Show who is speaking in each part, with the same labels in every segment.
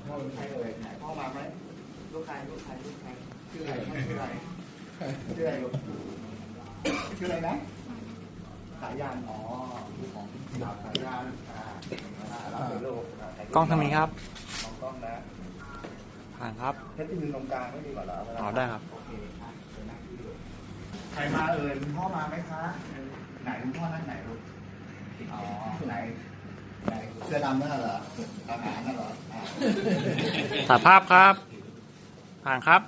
Speaker 1: พ่อเป็นใครเอ่ยไหนพ่อมาไหมลูกใครชื่ออะไรชื่ออะไรชื่ออะไรลูกชื่ออะไรนะสายยานอ๋อลูกของสายยานรับเป็นลูก
Speaker 2: กล้องทางนี้ครับ
Speaker 1: กล้องนะ
Speaker 2: ผ่านครับ
Speaker 1: เพชรที่มือตรงกลางไม่ดีกว่าเหรอ
Speaker 2: อ๋อได้ครับ
Speaker 1: โอเคใครมาเอ่ยคุณพ่อมาไหมคะไหนคุณพ่อนั่งไหนลูกอ๋อไหนเสื้อดำนั่นเหรอทหารนั่นเหรอ
Speaker 2: ถ่ายภาพครับผ่านครับ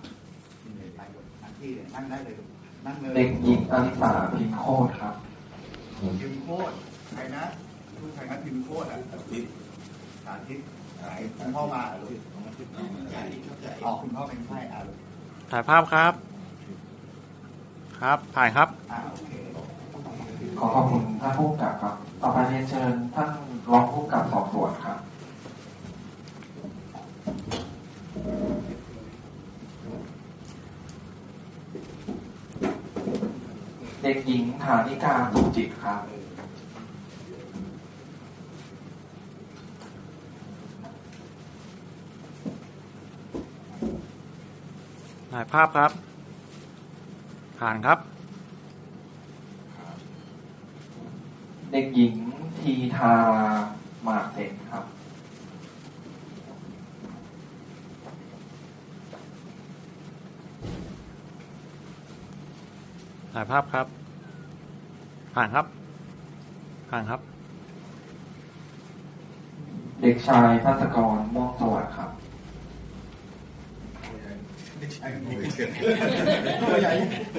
Speaker 1: นั่งได้เลยนั่งเลย
Speaker 3: เด็กหญิงอลิสาพิมพ์โคตรครับ
Speaker 1: พิมพ์โคตรใครนะลูกใครนะพิมพ์โคตรอ่ะสาธิตไหนคุณพ่อมาลูกอ๋อคุณพ่อเป็นไข้ลูก
Speaker 2: ถ่ายภาพครับครับผ่านครับ
Speaker 1: โอเค
Speaker 3: ขอขอบคุณท่านผู้กำกับครับต่อไปเรียนเชิญท่านรองผู้กำกับสอบสวนครับเด็กหญิงฐานิกาสุขจิตครับ
Speaker 2: ถ่ายภาพครับผ่านครับ
Speaker 3: เด็กหญิงทีทาหมากเด็กครับ
Speaker 2: ถ่ายภาพครับผ่านครับผ่านครับ
Speaker 3: เด็กชายภัสกรม่วงสวัสดิ์ครับ
Speaker 1: ตัวใหญ่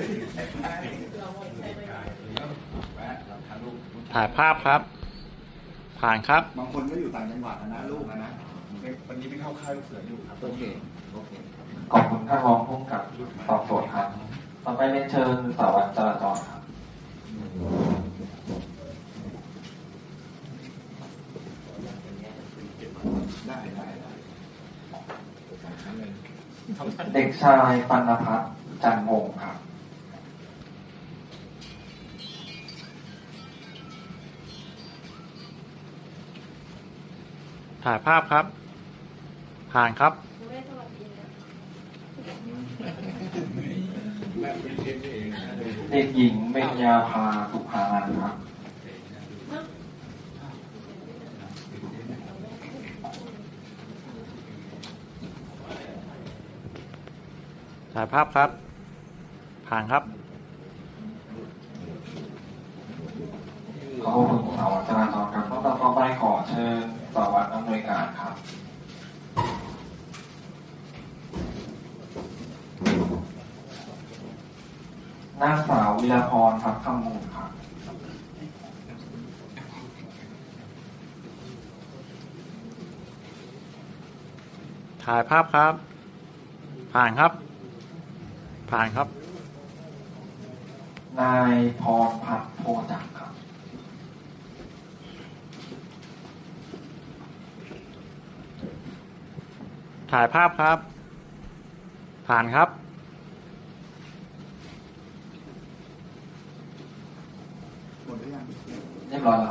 Speaker 2: ถ่ายภาพครับผ่านครับ
Speaker 1: บางคนก็อยู่ต่างจังหวัดนะลูกนะวันนี้ไม่เข้าค่ายลูกเสืออยู่ครับโอเค
Speaker 3: ขอบคุณท่านรองผู้กำกับสอบสวนครับต่อไปเรียนเชิญสารวัตรจราจรครับ
Speaker 1: ได้
Speaker 3: เด็กชายปัณพัฒน์จันทร์วงศ์ครับ
Speaker 2: ถ่ายภาพครับผ่านครับ
Speaker 3: เด็กหญิงเบญญาภาสุภานันท์ครับ
Speaker 2: ถ่ายภาพครับผ่านครับ
Speaker 3: ขอบคุณสารวัตรจราจรครับต่อไปขอเชิญสารวัตรอำนวยการครับนางสาววิรพรทัพคำมูลครับ
Speaker 2: ถ่ายภาพครับผ่านครับผ่านครับ
Speaker 3: นายพรพัฒน์โพจักรครับ
Speaker 2: ถ่ายภาพครับผ่านครับ
Speaker 1: หมดหรือยัง
Speaker 3: เรียบร้อยแล้ว